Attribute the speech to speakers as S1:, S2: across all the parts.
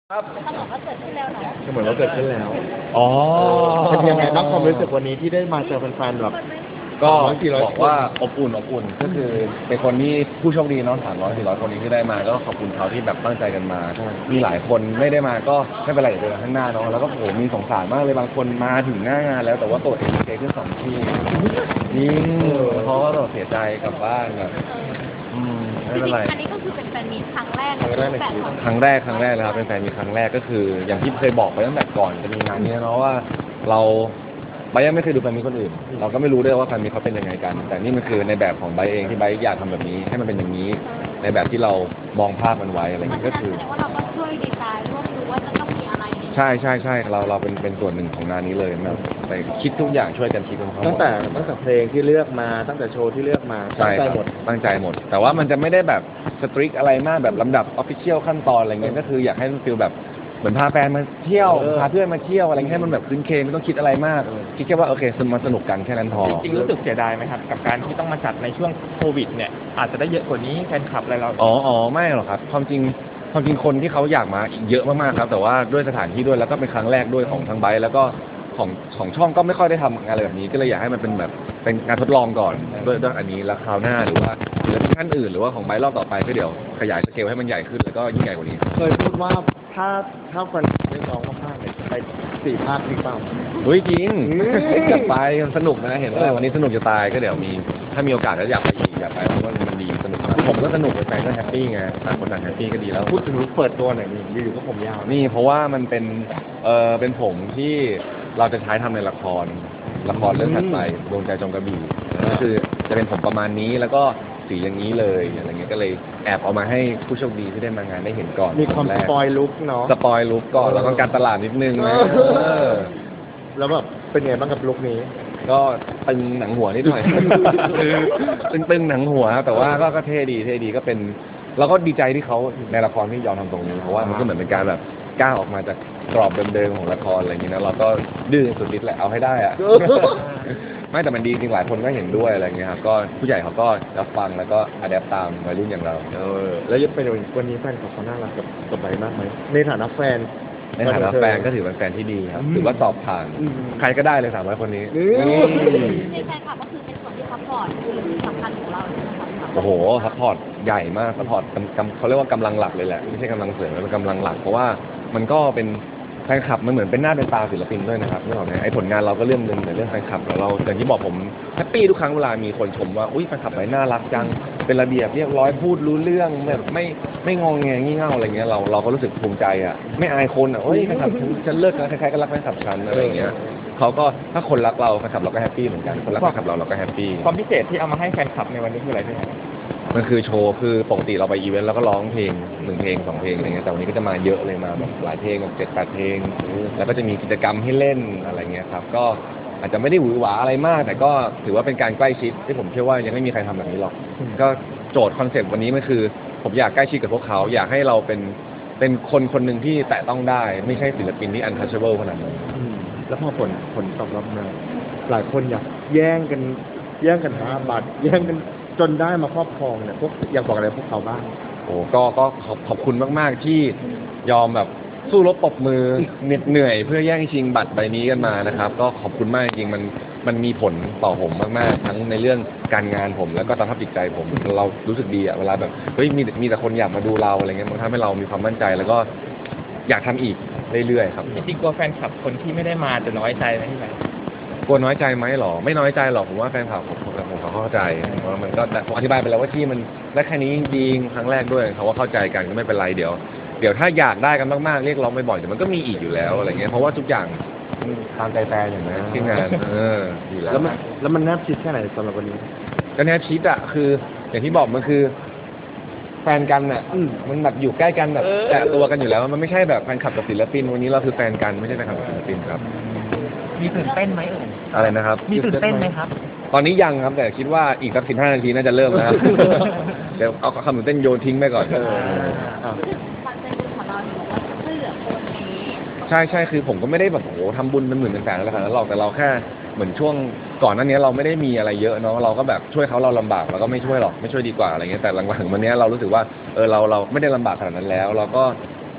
S1: ครับ
S2: เขาบอกว่าเกิดขึ้นแล้วเนาะ
S1: ก็เหมือนว่าเกิดขึ้นแล้ว
S3: อ๋อ
S1: เป็นยังไงบ้างความรู้สึกวันนี้ที่ได้มาเจอแฟนๆแบบ
S3: ก็
S1: 300-400
S3: บอกว่าอบอุ่นก็คือเป็นคนที่ผู้โชคดีเนาะ300-400 คนนี้ที่ได้มาก็ขอบคุณเขาที่แบบตั้งใจกันมา มีหลายคนไม่ได้มาก็ไม่เป็นไรเดี๋ยวเจอกันข้างหน้าเนาะแล้วก็โหมีสงสารมากเลยบางคนมาถึงหน้างานแล้วแต่ว่าตัวเองเจขึ้น2 ที่จริงเขาก็ต้องเสียใจกลับบ้านแบบไม่เป็นไร
S2: อันนี้ก็คือเป็นแฟนมีตครั้งแรกแบบของ
S3: ครั้งแรกเลยครับเป็นแฟนมีครั้งแรกก็คือ อย่างที่เคยบอกไปตั้งแต่ก่อนจะมีงานนี้เนาะว่าเราไบร์ทยังไม่เคยดูแฟนมีคนอื่น เราก็ไม่รู้ด้วยว่าแฟนมีเขาเป็นยังไงกัน แต่นี่มันคือในแบบของไบร์ทเองที่ไบร์ทอยากทำแบบนี้ให้มันเป็นอย่างนี้ ในแบบที่เรามองภาพมันไว้อะไรอย่างเงี้ยก็คือ
S2: แสดงว่าเราก็ช่วยดีไซน์ร่วมดูว่าจะต้องมีอะไร
S3: ใช่เราเป็นส่วนหนึ่งของงานนี้เลยแบบไปคิดทุกอย่างช่วยกันคิดกันทั้งหม
S1: ตั้ง
S3: ด
S1: แต่เพลงที่เลือกมาตั้งแต่โชว์ที่เลือกมาตั้
S3: ใช่
S1: งใจ
S3: ครับ
S1: หมด
S3: ตั้งใจหมด แต่ว่ามันจะไม่ได้แบบสตริกอะไรมากแบบลำดับออฟฟิเชียลขั้นตอนอะไรเงี้ยก็คืออยากให้มันฟีลแบบเหมือนพาแฟนมาเที่ยวพาเพื่อนมาเที่ยวอะไรเงี้ยให้มันแบบคืนเคงไม่ต้องคิดอะไรมากคิดแค่ว่าโอเคมาสนุกกันแค่นั้นพอ
S4: จริงๆรู้สึกเสียดายไหมครับกับการที่ต้องมาจัดในช่วงโควิดเนี่ยอาจจะได้เยอะกว่านี้แฟนคลับอะไรเรา
S3: อ๋อไม่หรอกครับความจริงคนที่เขาอยากมาอีกเยอะมากๆครับแต่ว่าด้วยสถานที่ด้วยแล้วก็เป็นครั้งแรกด้วยของทางไบค์แล้วก็ของช่องก็ไม่ค่อยได้ทำงานอะไรแบบนี้ก็เลยอยากให้มันเป็นแบบเป็นงานทดลองก่อนด้วยอันนี้แล้วคราวหน้าหรือว่าศิลปินท่านอื่นหรือว่าของไบค์รอบต่อไปก็เดี๋ยวขยายสเกลให้มันใหญ่ขึ้นแล้วก็ยิ่งใหญ่กว่านี้
S1: เคยพูดว่าถ้าแฟนเรียกร้องมากๆเนี่ยจะไป4 ภาคหรือเปล่า
S3: เฮ้ยจริงอยากไปมันสนุกนะเห็นว่าวันนี้สนุกจะตายก็เดี๋ยวมีถ้ามีโอกาสก็อยากไปอีกอยากไปเพราะว่ามันดีสนุกมากผมก็สนุกแฟนก็แฮปปี้ไงต่างคนต่างแฮปปี้ก็ดีแล้ว
S1: พูดถึงลุคเปิดตัวหน่อยนี่อยู่ๆก็ผมยาว
S3: นี่เพราะว่ามันเป็นผมที่เราจะใช้ทำในละครเรื่องถัดไปดวงใจจงกระบี่ก็คือจะเป็นผมประมาณนี้แล้วก็สีอย่างนี้เลยอะไรเงี้ยก็เลยแอบเอามาให้ผู้โชคดีที่ได้มางานได้เห็นก่อน
S1: มีความ
S3: แร
S1: ส
S3: ก
S1: ปอยลุคเนาะ
S3: สปอยลุกก่อนแล้วก็การตลาดนิดนึงนะเออ
S1: แล้วแบบเป็นไงบ้างกับลุคนี้
S3: ก็ตึงหนังหัวนิดหน่อย ตึงหนังหัวครับแต่ว่าก็เท่ดีก็เป็นเราก็ดีใจที่เขาในละครที่ยอมทำตรงนี้เพราะว่ามันก็เหมือนเป็นการแบบก้าวออกมาจากกรอบเดิมๆของละครอะไรอย่างนี้นะเราก็ดื้อสุดฤทธิ์แหละเอาให้ได้อะ ไม่แต่มันดีจริงหลายคนก็เห็นด้วยอะไรเงี้ยครับก็ผู้ใหญ่เขาก็รับฟังแล้วก็อะแดปตามวัยรุ่นอย่างเรา
S1: แล้วยังเป็นวันนี้แฟนของเขาน่ารักกับไบร์ทมากไหมในฐานะแฟน
S3: ในฐานะแฟนก็ถือเป็นแฟนที่ดีครับถือว่าสอบผ่าน
S1: อืม
S3: ใครก็ได้เลย300 คนนี้
S2: ในแฟนคลับก็คือเป็นส่วนที่ซัพพอร์ตคือสำคัญของเราใช่ไหมครับ
S3: โอ้โหซัพพอร์ตใหญ่มากซัพพอร์ตเขาเรียกว่ากำลังหลักเลยแหละไม่ใช่กำลังเสริมเป็นกำลังหลักเพราะว่ามันก็เป็นแฟนคลับมันเหมือนเป็นหน้าเป็นตาศิลปินด้วยนะครับนึกออกไหมไอ้ผลงานเราก็เรื่องนึงแต่เรื่องแฟนคลับเราอย่างที่บอกผมแฮปปี้ทุกครั้งเวลามีคนชมว่าอุ้ยแฟนคลับไหนน่ารักจังเป็นระเบียบเรียบร้อยพูดรู้เรื่องแบบไม่งองแงงี่เง่าอะไรเงี้ยเราก็รู้สึกภูมิใจอ่ะไม่อายคนอ่ะโอ้ยแฟนคลับฉันเลิกนะใครๆก็รักแฟนคลับฉันอะไรอย่างเงี้ยเขาก็ถ้าคนรักเราแฟนคลับเราก็แฮปปี้เหมือนกันคนรักแฟนคลับเราก็แฮปปี้
S4: ความพิเศษที่เอามาให้แฟนคลับในวันนี้คืออะไรพี่ครับ
S3: มันคือโชว์คือปกติเราไปอีเวนต์แล้วก็ร้องเพลง1 เพลง 2 เพลงอะไรเงี้ยแต่วันนี้ก็จะมาเยอะเลยมาแบบหลายเพลงแบบ7-8 เพลงแล้วก็จะมีกิจกรรมให้เล่นอะไรเงี้ยครับก็อาจจะไม่ได้หวือหวาอะไรมาก แต่ก็ถือว่าเป็นการใกล้ชิดที่ผมเชื่อว่ายังไม่มีใครทำแบบนี้หรอกก็โจทย์คอนเซ็ปต์วันนี้มันคือผมอยากใกล้ชิดกับพวกเขาอยากให้เราเป็นคนหนึ่งที่แตะต้องได้ไม่ใช่ศิลปินที่ untouchable ขนาดนั้น
S1: แล้วพอผลตอบรับมาหลายคนอยากแย่งกันหาบัตรแย่งกันจนได้มาครอบครองเนี่ยพวกอยากบอกอะไรพวกเขาบ้าง
S3: โอ้ก็ขอบคุณมากๆที่ยอมแบบสู้รบปรบมือเหนื่อยเพื่อแย่งชิงบัตรใบนี้กันมานะครับก็ขอบคุณมากจริงๆมันมีผลต่อผมมากๆทั้งในเรื่องการงานผมแล้วก็สภาพจิตใจผมเรารู้สึกดีอะเวลาแบบเฮ้ยมีแต่คนอยากมาดูเราอะไรเงี้ยมันทำให้เรามีความมั่นใจแล้วก็อยากทำอีกเรื่อยๆครับ
S4: จริงๆกลัวแฟนคลับคนที่ไม่ได้มาจะน้อยใจไหมพี่ไหม
S3: กลัวน้อยใจไหมหรอไม่น้อยใจหรอกผมว่าแฟนคลับผมเขาเข้าใจว่ามันก็แต่ผมอธิบายไปแล้วว่าที่มันได้แค่นี้จริงๆครั้งแรกด้วยเขาว่าเข้าใจกันก็ไม่เป็นไรเดี๋ยวถ้าอยากได้กันมากๆเรียกร้องบ่อยๆเดี๋ยวมันก็มีอีกอยู่แล้วอะไรเงี้ยเพราะว่าทุกอย่างตามใจแฟนอย่างนั้นที่งานอยู่แล้ว
S1: แล้วมันแนบชิดแค่ไหนสำหรับวันนี้
S3: ก็แนบชิดอะคืออย่างที่บอกมันคือแฟนกันอะมันแบบอยู่ใกล้กันแบบแตะตัวกันอยู่แล้วมันไม่ใช่แบบแฟนคลับกับศิลปินวันนี้เราคือแฟนกันไม่ใช่แฟนคลับกับศิลปินครับ
S4: มีตื่นเต้นไหมเอ่ย
S3: อะไรนะครับ
S4: มีตื่นเต้นไหมครับ
S3: ตอนนี้ยังครับแต่คิดว่าอีกสัก15 นาทีน่าจะเริ่มแล้วครับ เดี๋ยวเอาคำตื่นเต้นโยนทิ้งไปก่อน
S2: คอนเซ็ปต์ของเราเนี่ยบอกว่าช่วยเหลือคนนี้
S3: ใช่คือผมก็ไม่ได้แบบโอ้โหทำบุญเป็นหมื่นเป็นแสนอะไรขนาดนั้นหรอกแต่เราแค่เหมือนช่วงก่อนหน้านี้เราไม่ได้มีอะไรเยอะเนาะเราก็แบบช่วยเขาเราลำบากเราก็ไม่ช่วยหรอกไม่ช่วยดีกว่าอะไรเงี้ยแต่หลังๆวันนี้เรารู้สึกว่าเราไม่ได้ลำบากขนาดนั้นแล้ว เราก็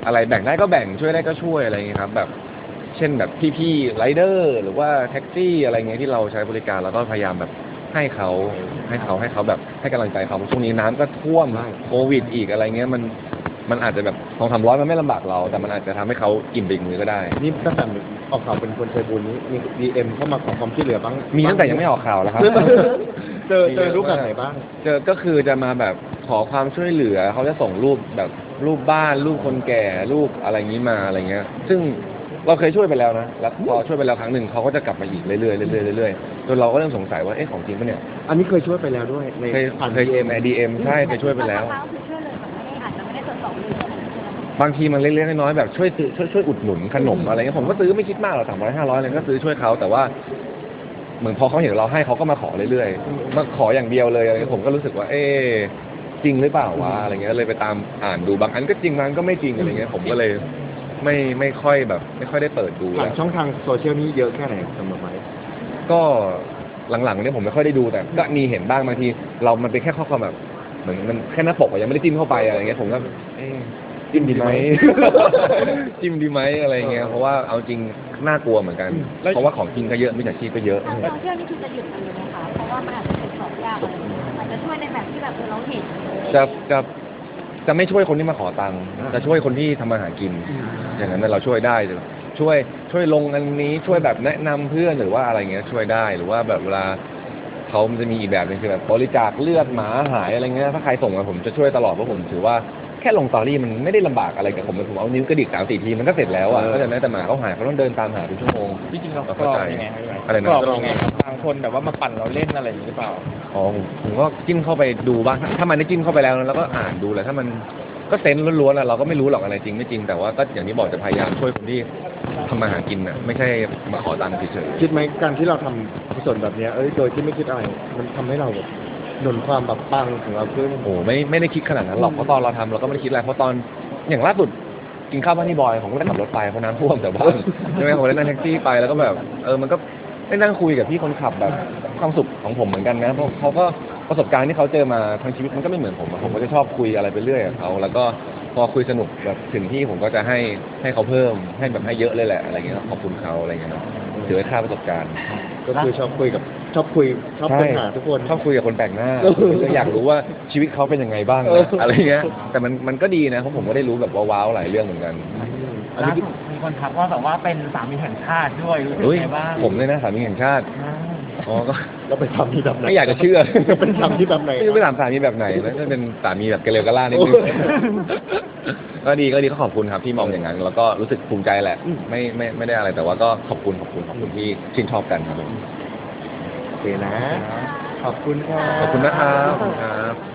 S3: อะไรแบ่งได้ก็แบ่งช่วยได้ก็ช่วยอะไรอย่างเงี้ยครับแบบเช่นแบบพี่ๆไรเดอร์หรือว่าแท็กซี่อะไรเงี้ยที่เราใช้บริการเราก็พยายามแบบให้เขาแบบให้กำลังใจเขาช่วงนี้น้ำก็ท่วมโควิดอีกอะไรเงี้ยมันอาจจะแบบ200-300มันไม่ลำบากเราแต่มันอาจจะทำให้เขาอิ่มไปอีกมือก็ได้
S1: นี่ตั้งแต่ออกข่าวเป็นคนใจบุญนี้มี DM เข้ามาขอความช่วยเหลือบ้าง
S3: มีตั้งแต่ยังไม่ออกข่าวแล้วครับ
S1: เจอรูปแบบไหนบ้าง
S3: เจอก็คือจะมาแบบขอความช่วยเหลือเขาจะส่งรูปแบบรูปบ้านรูปคนแก่รูปอะไรอย่างนี้มาอะไรเงี้ยซึ่งเราเคยช่วยไปแล้วนะแล้วพอช่วยไปแล้วครั้งหนึ่งเขาก็จะกลับมาอีกเรื่อยๆเรื่อยๆเรื่อยๆจนเราก็เริ่มสงสัยว่าเอ๊ะของจริงปะเนี่ย
S1: อันนี้เคยช่วยไปแล้วด้วยใน
S3: เคย
S1: ผ่าน
S3: เคย
S1: DM
S3: ใน DM ใช่เคยช่วยไปแล้ว
S2: บางครั้งคือช่วยเลยแบบไม่ได้อาจจะไม่ได้ตรวจสอบเลยใช่ไหม
S3: บางทีมันเล็กๆน้อยๆแบบช่วยซื้อช่วยอุดหนุนขนมอะไรเงี้ยผมก็ซื้อไม่คิดมากหรอก300-500อะไรก็ซื้อช่วยเขาแต่ว่าเหมือนพอเขาเห็นเราให้เขาก็มาขอเรื่อยๆมาขออย่างเดียวเลยอะไรเงี้ยผมก็รู้สึกว่าเอ๊ะจริงหรือเปล่าวะอะไรเงี้ยเลยไปตามอ่านดูบางอันก็จริงบางอันก็ไม่จริงอะไรเงี้ยผมก็เลยไม่ค่อยแบบไม่ค่อยได้เปิดดู
S1: ผ่าน
S3: แล้ว
S1: ช่องทางโซเชียลนี้เยอะแค่ไหนสำหรับไม้
S3: ก็หลังๆเนี่ยผมไม่ค่อยได้ดูแต่ก็มีเห็นบ้างบางทีเรามันเป็นแค่ข้อความแบบเหมือนมันแค่หน้าปกอะยังไม่ได้จิ้มเข้าไปอะไรเงี้ยผมก็เอ๊ะจิ้มดีไหม จิ้มดีไหมอะไรเงี้ยเพราะว่าเอาจริงน่ากลัวเหมือนกันเพราะว่าของจริงก็เยอะมิจฉาชีพก็เยอะ
S2: ทางโซเชียลนี่คือจะหยุดมันเลยไหมคะเพราะว่ามันอาจจะตรวจสอบยากอะไรอย่างเงี้ยอาจจะช่วยในแบบที่แบบเราเห็น
S3: จะไม่ช่วยคนที่มาขอตังค์จะช่วยคนที่ทำมาหากิน อย่างนั้นเราช่วยได้ช่วยลงอันนี้ช่วยแบบแนะนำเพื่อนหรือว่าอะไรเงี้ยช่วยได้หรือว่าแบบเวลาเขามันจะมีอีกแบบหนึงคือแบบบริจาคเลือดหมาหายอะไรเงี้ยถ้าใครส่งมาผมจะช่วยตลอดเพราะผมถือว่าแค่ลงสตอรี่มันไม่ได้ลำบากอะไรกับผมเอานิ้วกระดิก3-4 ทีมันก็เสร็จแล้วอ่ะก็จะแม้แต่หมาเขาหายเขาต้องเดินตามหาเป็นชั่วโมง
S4: ที่จริงเรา
S3: เรา
S4: ก
S3: เข้าร
S4: อง
S3: ใจ
S4: ยังไงครับ
S3: อะไรนะ
S4: กรองยังไงครับบางคนแบบว่ามาปั่นเราเล่นอะไรอย่างนี้หรือเปล่า
S3: อ๋อผมก็จิ้มเข้าไปดูบ้างถ้ามันได้จิ้มเข้าไปแล้วนะแล้วก็อ่านดูแหละถ้ามันก็เซนส์ล้วนๆแล้วเราก็ไม่รู้หรอกอะไรจริงไม่จริงแต่ว่าก็อย่างที่บอกจะพยายามช่วยคนที่ทำมาหากินน่ะไม่ใช่มาขอตังค์เฉย
S1: คิดไหมการที่เราทำกุศลแบบเนี้ยโดยที่ไม่คิดอะไร มันทำให้เราแบบหนุนความแบบปังของเราขึ้น
S3: ๆโอ้ไม่ได้คิดขนาดนั้นหรอกเพราะตอนเราทำเราก็ไม่ได้คิดอะไรเพราะตอนอย่างล่าสุดกินข้าวบ้านที่บอยผมก็ได้ขับรถไปเพราะน้ำท่วมแต่บ้านใช่ไหมผมได้นั่งแท็กซี่ไปแล้วก็แบบมันก็ได้นั่งคุยกับพี่คนขับแบบความสุขของผมเหมือนกันนะเพราะเขาก็ประสบการณ์ที่เขาเจอมาทั้งชีวิตมันก็ไม่เหมือนผมอะผมก็จะชอบคุยอะไรไปเรื่อยกับเขาแล้วก็พอคุยสนุกแบบถึงที่ผมก็จะให้เขาเพิ่มให้แบบให้เยอะเลยแหละอะไรเงี้ยขอบคุณเขาอะไรเงี้ยเนาะถือว่าค่าประสบการณ์
S1: ก็คือชอบค้นหาทุกคน
S3: ชอบคุยกับคนแปลกหน้าอยากรู้ว่าชีวิตเขาเป็นยังไงบ้าง
S1: เออ
S3: อะไรเงี้ยแต่มันก็ดีนะเพราะผมก็ได้รู้แบบว้าวๆหลายเรื่องเหมือนกัน
S1: อันนี้คือ
S5: มีคนทักว่าแบบว่าเป็นสามีแห่งชาติด้วยรู้สึก
S3: เฮ้ย
S5: ไงบ้าง
S3: ผมเลยนะสามีแห่งชาติอ๋อก็
S1: เราไปทำที่แบบไหน
S3: ไม่อยากจะเชื่อ
S1: เป็นทำที่แบบไหน
S3: ไม่รู้ไปถามสามีแบบไหนแล้วจะเป็นสามีแบบเกลียวกระล่านิดนึง ก็ดีก็ขอบคุณครับที่มองอย่างนั้นแล้วก็รู้สึกภูมิใจแหละไม่ได้อะไรแต่ว่าก็ขอบคุณที่ชื่นชอบกันครับผม
S1: โอเคนะ ขอบคุณค่ะ
S3: ขอบคุณนะครับ